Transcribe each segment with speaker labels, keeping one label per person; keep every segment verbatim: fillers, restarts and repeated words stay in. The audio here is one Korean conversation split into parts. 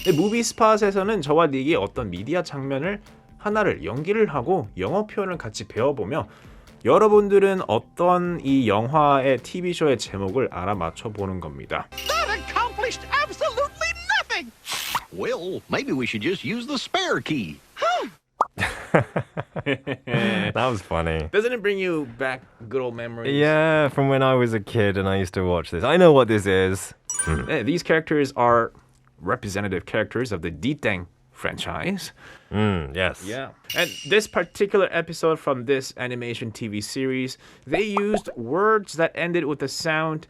Speaker 1: 무비 스팟에서는 저와 닉이 어떤 미디어 장면을 하나를 연기를 하고 영어 표현을 같이 배워보며 여러분들은 어떤 이 영화의 티비쇼의 제목을 알아맞혀 보는 겁니다.
Speaker 2: That accomplished absolutely nothing.
Speaker 3: Well, maybe we should just use the spare key.
Speaker 4: That was funny.
Speaker 1: Doesn't it bring you back good old memories?
Speaker 4: Yeah, from when I was a kid and I used to watch this. I know what this is.
Speaker 1: 네, these characters are representative characters of the D-Tang franchise.
Speaker 4: Mm, yes.
Speaker 1: Yeah. And this particular episode from this animation T V series, they used words that ended with the sound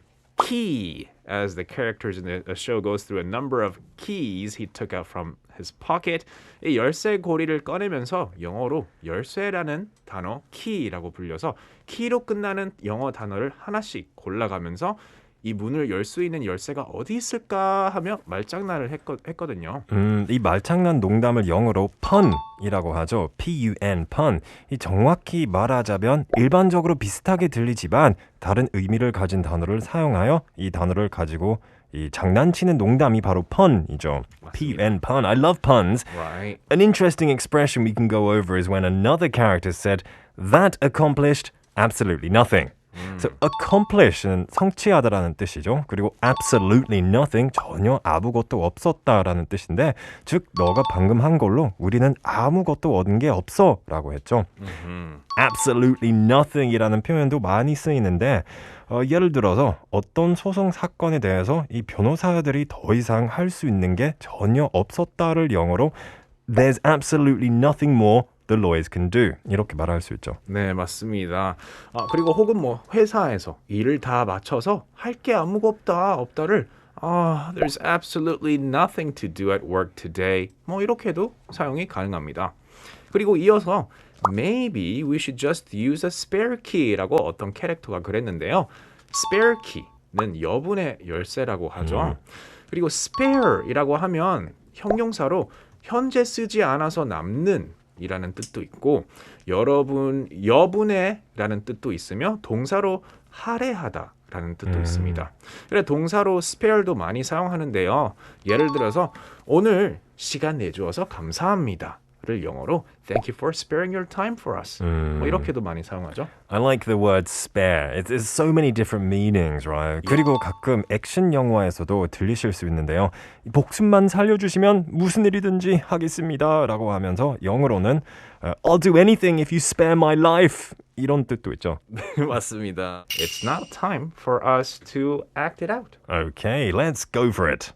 Speaker 1: key as the characters in the, the show goes through a number of keys he took out from his pocket. 이 열쇠 고리를 꺼내면서 영어로 열쇠라는 단어 key라고 불려서 키로 끝나는 영어 단어를 하나씩 골라가면서 이 문을 열 수 있는 열쇠가 어디 있을까 하며 말장난을 했거, 했거든요.
Speaker 4: 음, 이 말장난 농담을 영어로 pun이라고 하죠. P-U-N, pun. 이 정확히 말하자면 일반적으로 비슷하게 들리지만 다른 의미를 가진 단어를 사용하여 이 단어를 가지고 이 장난치는 농담이 바로 pun이죠. P-U-N, pun. I love puns.
Speaker 1: Right.
Speaker 4: An interesting expression we can go over is when another character said, that accomplished absolutely nothing. So accomplish는 성취하다라는 뜻이죠. 그리고 absolutely nothing, 전혀 아무것도 없었다라는 뜻인데 즉 너가 방금 한 걸로 우리는 아무것도 얻은 게 없어 라고 했죠. Mm-hmm. absolutely nothing이라는 표현도 많이 쓰이는데 어, 예를 들어서 어떤 소송 사건에 대해서 이 변호사들이 더 이상 할 수 있는 게 전혀 없었다를 영어로 There's absolutely nothing more the lawyers can do. 이렇게 말할 수 있죠.
Speaker 1: 네, 맞습니다. 아, 그리고 혹은 뭐 회사에서 일을 다 마쳐서 할 게 아무것도 없다, 없다를 아, there's absolutely nothing to do at work today. 뭐 이렇게도 사용이 가능합니다. 그리고 이어서 maybe we should just use a spare key라고 어떤 캐릭터가 그랬는데요. spare key는 여분의 열쇠라고 하죠. 음. 그리고 spare이라고 하면 형용사로 현재 쓰지 않아서 남는 이라는 뜻도 있고 여러분, 여분의 라는 뜻도 있으며 동사로 할애하다 라는 뜻도 음. 있습니다. 그래 동사로 spare도 많이 사용하는데요. 예를 들어서 오늘 시간 내주어서 감사합니다 를 영어로 Thank you for sparing your time for us.
Speaker 4: 음.
Speaker 1: 뭐 이렇게도 많이 사용하죠.
Speaker 4: I like the word spare. It, there's so many different meanings, right? Yeah. 그리고 가끔 액션 영화에서도 들리실 수 있는데요. 목숨만 살려주시면 무슨 일이든지 하겠습니다 라고 하면서 영어로는 I'll do anything if you spare my life 이런 뜻도 있죠.
Speaker 1: 맞습니다. It's now time for us to act it out.
Speaker 4: Okay, let's go for it.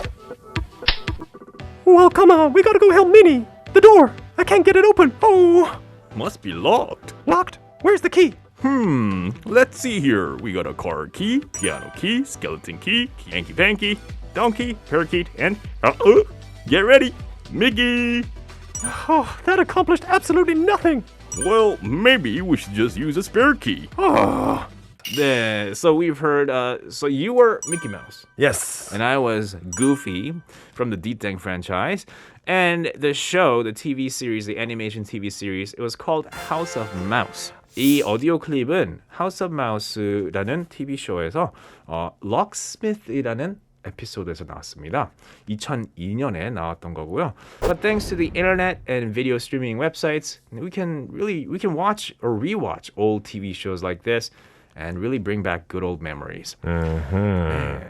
Speaker 4: Well, come on, we gotta go help Minnie. The door! I can't get it open! Oh!
Speaker 1: Must be locked.
Speaker 4: Locked? Where's the key?
Speaker 1: Hmm, let's see here. We got a car key, piano key, skeleton key, hanky panky, donkey, parakeet, and uh, uh, get ready, Mickey!
Speaker 4: Oh, that accomplished absolutely nothing!
Speaker 1: Well, maybe we should just use a spare key. Oh. Yeah, so we've heard, uh, so you were Mickey Mouse.
Speaker 4: Yes.
Speaker 1: And I was Goofy from the D-Tang franchise. And the show, the T V series, the animation T V series, it was called House of Mouse. 이 오디오 클립은 House of Mouse라는 티비쇼에서 어, Locksmith이라는 에피소드에서 나왔습니다. 이천이 년에 나왔던 거고요. But thanks to the internet and video streaming websites, we can really we can watch or rewatch old T V shows like this and really bring back good old memories.
Speaker 4: Mm-hmm.